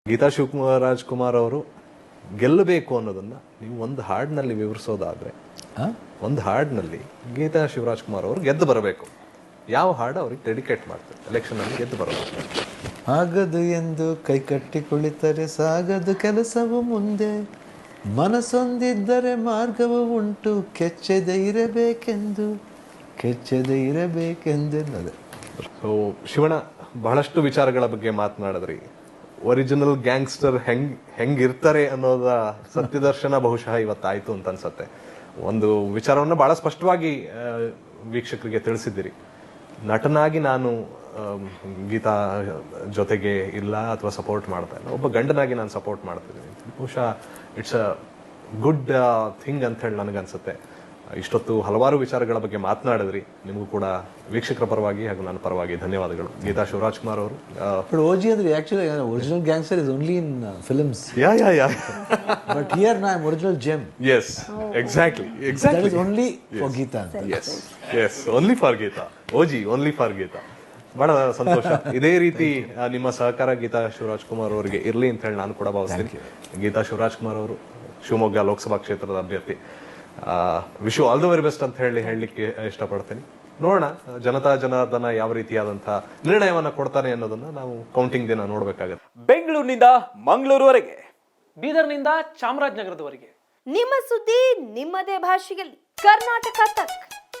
ಗೀತಾ ಶಿವರಾಜ್ ಕುಮಾರ್ ಅವರು ಗೆಲ್ಲಬೇಕು ಅನ್ನೋದನ್ನ ನೀವು ಒಂದು ಹಾಡಿನಲ್ಲಿ ವಿವರಿಸೋದಾದ್ರೆ, ಒಂದು ಹಾಡಿನಲ್ಲಿ ಗೀತಾ ಶಿವರಾಜ್ ಕುಮಾರ್ ಅವರು ಗೆದ್ದು ಬರಬೇಕು, ಯಾವ ಹಾಡು ಅವ್ರಿಗೆ ಡೆಡಿಕೇಟ್ ಮಾಡ್ತಾರೆ ಎಲೆಕ್ಷನ್ ಅಲ್ಲಿ ಗೆದ್ದು ಬರಬೇಕು? ಆಗದು ಎಂದು ಕೈ ಕಟ್ಟಿ ಕುಳಿತರೆ ಸಾಗದು ಕೆಲಸವು ಮುಂದೆ, ಮನಸ್ಸೊಂದಿದ್ದರೆ ಮಾರ್ಗವು ಉಂಟು, ಕೆಚ್ಚದೆ ಇರಬೇಕೆಂದೆನ್ನದೆ. ಸೊ ಶಿವಣ್ಣ, ಬಹಳಷ್ಟು ವಿಚಾರಗಳ ಬಗ್ಗೆ ಮಾತನಾಡಿದ್ರಿ. ಒರಿಜಿನಲ್ ಗ್ಯಾಂಗ್ಸ್ಟರ್ ಹೆಂಗಿರ್ತಾರೆ ಅನ್ನೋದ ಸತ್ಯದರ್ಶನ ಬಹುಶಃ ಇವತ್ತಾಯ್ತು ಅಂತ ಅನ್ಸತ್ತೆ. ಒಂದು ವಿಚಾರವನ್ನ ಬಹಳ ಸ್ಪಷ್ಟವಾಗಿ ವೀಕ್ಷಕರಿಗೆ ತಿಳಿಸಿದ್ದೀರಿ. ನಟನಾಗಿ ನಾನು ಗೀತಾ ಜೊತೆಗೆ ಇಲ್ಲ ಅಥವಾ ಸಪೋರ್ಟ್ ಮಾಡ್ತಾ ಇಲ್ಲ, ಒಬ್ಬ ಗಂಡನಾಗಿ ನಾನು ಸಪೋರ್ಟ್ ಮಾಡ್ತಿದ್ದೀನಿ. ಬಹುಶಃ ಇಟ್ಸ್ ಅ ಗುಡ್ ಥಿಂಗ್ ಅಂತ ಹೇಳಿ ನನಗನ್ಸುತ್ತೆ. ಇಷ್ಟೊತ್ತು ಹಲವಾರು ವಿಚಾರಗಳ ಬಗ್ಗೆ ಮಾತನಾಡಿದ್ರಿ. ನಿಮಗೂ ಕೂಡ ವೀಕ್ಷಕರ ಪರವಾಗಿ ಹಾಗೂ ನನ್ನ ಪರವಾಗಿ ಧನ್ಯವಾದಗಳು. ಗೀತಾ ಶಿವರಾಜ್ ಕುಮಾರ್ ಅವರು. But OG ಅಂದ್ರೆ actually original gangster is only in films. Yeah. But here now I'm original gem. Yes, exactly. That is only for Geeta. Yes, only for Geeta. OG, only for Geeta. ಬಹಳ ಸಂತೋಷ. ಇದೇ ರೀತಿ ನಿಮ್ಮ ಸಹಕಾರ ಗೀತಾ ಶಿವರಾಜ್ ಕುಮಾರ್ ಅವರಿಗೆ ಇರ್ಲಿ ಅಂತ ಹೇಳಿ ನಾನು ಕೂಡ ಭಾವಿಸ್ತೀನಿ. ಗೀತಾ ಶಿವರಾಜ್ ಕುಮಾರ್ ಅವರು ಶಿವಮೊಗ್ಗ ಲೋಕಸಭಾ ಕ್ಷೇತ್ರದ ಅಭ್ಯರ್ಥಿ. Wish you all the very best ಅಂತ ಹೇಳಲಿಕ್ಕೆ ಇಷ್ಟಪಡ್ತೀನಿ. ನೋಡೋಣ ಜನತಾ ಜನಾರ್ದನ ಯಾವ ರೀತಿಯಾದಂತಹ ನಿರ್ಣಯವನ್ನ ಕೊಡ್ತಾನೆ ಅನ್ನೋದನ್ನ ನಾವು ಕೌಂಟಿಂಗ್ ದಿನ ನೋಡ್ಬೇಕಾಗತ್ತೆ. ಬೆಂಗಳೂರಿನಿಂದ ಮಂಗಳೂರುವರೆಗೆ, ಬೀದರ್ನಿಂದ ಚಾಮರಾಜನಗರದವರೆಗೆ ನಿಮ್ಮ ಸುದ್ದಿ ನಿಮ್ಮದೇ ಭಾಷೆಯಲ್ಲಿ ಕರ್ನಾಟಕ ತಕ್.